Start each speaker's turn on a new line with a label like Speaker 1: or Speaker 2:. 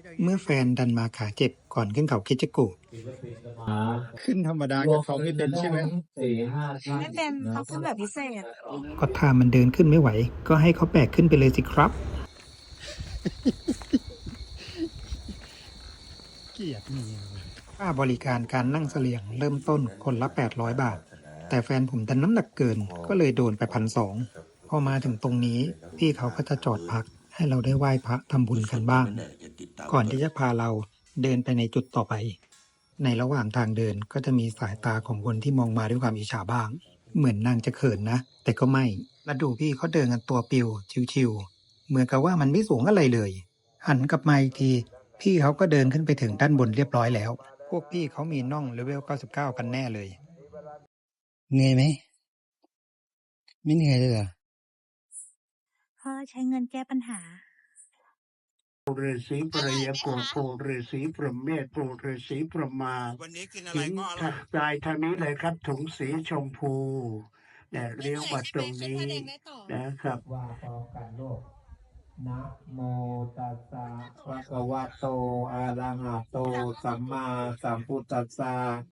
Speaker 1: เมื่อแฟนดันมาขาเจ็บก่อนขึ้นเขาคิดจะกูขึ้นธรรมดากับเขาไม่เป็นใช่ไหม
Speaker 2: ไม่เป็นเขาขึ้นแบบพิเศษ
Speaker 1: ก็ถ้ามันเดินขึ้นไม่ไหว ก็ให้เขาแบกขึ้นไปเลยสิครับ เกียดนี่ค่าบริการการนั่งเสลี่ยงเริ่มต้นคนละ800 บาท แต่แฟนผมดันน้ำหนักเกินก็เลยโดนไป1,200พอมาถึงตรงนี้พี่เขาก็จะจอดพักให้เราได้ไหว้พระทำบุญกันบ้าง ก่อนที่จะพาเราเดินไปในจุดต่อไป ในระหว่างทางเดินก็จะมีสายตาของคนที่มองมาด้วยความอิจฉาบ้าง เหมือนนางจะเขินนะ แต่ก็ไม่ แล้วดูพี่เขาเดินกันตัวปิวชิวๆเหมือนกับว่ามันไม่สูงอะไรเลย หันกลับมาอีกที พี่เขาก็เดินขึ้นไปถึงด้านบนเรียบร้อยแล้ว พวกพี่เขามีน่องเลเวล99กันแน่เลยเหนื่อยไหมไม่เหนื่อยเลยเหรอ
Speaker 2: เพราะใช้เงินแก้ปัญหา
Speaker 3: ฤาษีปริยโกโพฤาษีพรหมเมธโพฤาษีพรหมา
Speaker 4: วันนี้กินอะไรก็อร่อย
Speaker 3: กายทางนี้เลยครับถุงสีชมพูเนี่ยเลี้ยวมาตรงนี้นะครับว่าพอกันโลกนะโมตัสสะภะคะวะโตอะระหะโตสัมมาสัมพุทธัสสะ